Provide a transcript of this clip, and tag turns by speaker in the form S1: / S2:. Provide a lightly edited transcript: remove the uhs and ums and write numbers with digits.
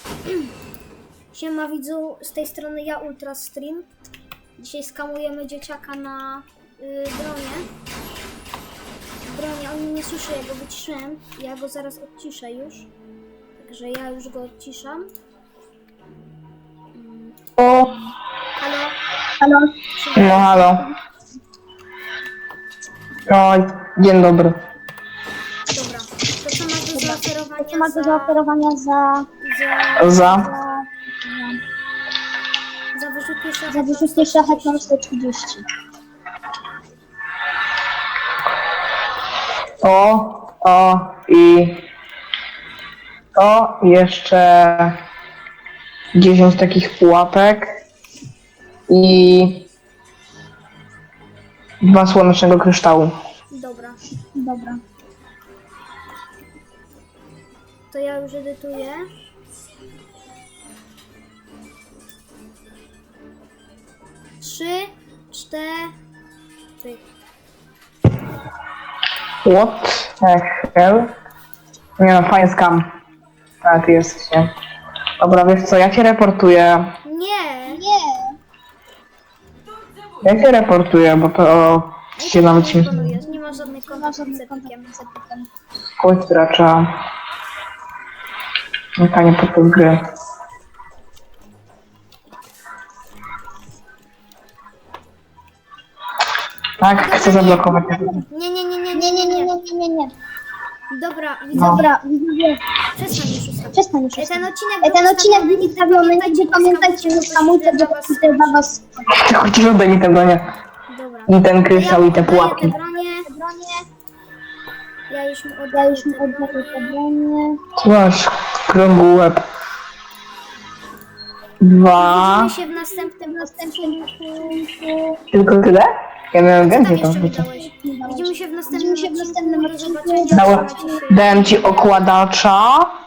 S1: Siema widzu, z tej strony ja Ultrastream. Dzisiaj skamujemy dzieciaka na bronie, on nie słyszy, ja go wyciszyłem. Ja go zaraz odciszę już. Także ja już go odciszam.
S2: O,
S1: Halo?
S3: Halo?
S2: no halo. No, dzień dobry.
S1: Dobra, to co masz do zaoferowania
S3: Co masz do zaoferowania za
S1: za wyrzutnie
S3: za wyrzutnie szlachetną 130?
S2: To jeszcze 10 takich pułapek i 2 słonecznego kryształu.
S1: Dobra,
S3: Dobra.
S1: to ja już edytuję. Trzy, 4.
S2: What the hell? Nie no, fajny skam. A, ty jesteś, nie? Dobra, wiesz co, ja cię reportuję.
S1: Nie!
S3: Nie.
S2: Ja cię reportuję, bo to się nawet się
S1: Wykonujesz, nie ma żadnych
S3: Nie ma
S1: kontaktów
S3: żadnych
S1: z Epikiem.
S3: kontaktów z Epikiem.
S2: kogoś gracza. Mykanie podczas gry. Tak, chcę zablokować.
S3: Nie.
S1: Dobra,
S2: No.
S1: widzowie,
S3: Dobra, widzowie,
S1: przestań już ustawić.
S3: przestań już.
S1: Ten
S3: Ten odcinek był ustawiony, nigdy pamiętajcie, że hamulce do dla was.
S2: Ty chociaż oddaj mi te bronie.
S1: Dobra.
S2: I ten kryształ, i te
S1: oddaję
S2: pułapki.
S1: te bronie. Ja już mu
S3: Ja
S1: oddaję
S3: już mi
S1: te
S3: oddaję
S1: bronie.
S3: te bronie.
S2: Tu masz krągły łeb. 2.
S1: Widzimy się w następnym odcinku.
S2: Tylko tyle? Ja miałem
S1: Co tam
S2: więcej tam
S1: jeszcze
S2: życia.
S1: wydałeś? Widzimy się w następnym
S3: Widzimy się w następnym
S1: odcinku. Do
S3: odcinku.
S1: zobaczenia.
S2: Dałem,
S1: Trzymajcie się.
S2: dałem ci okładacza.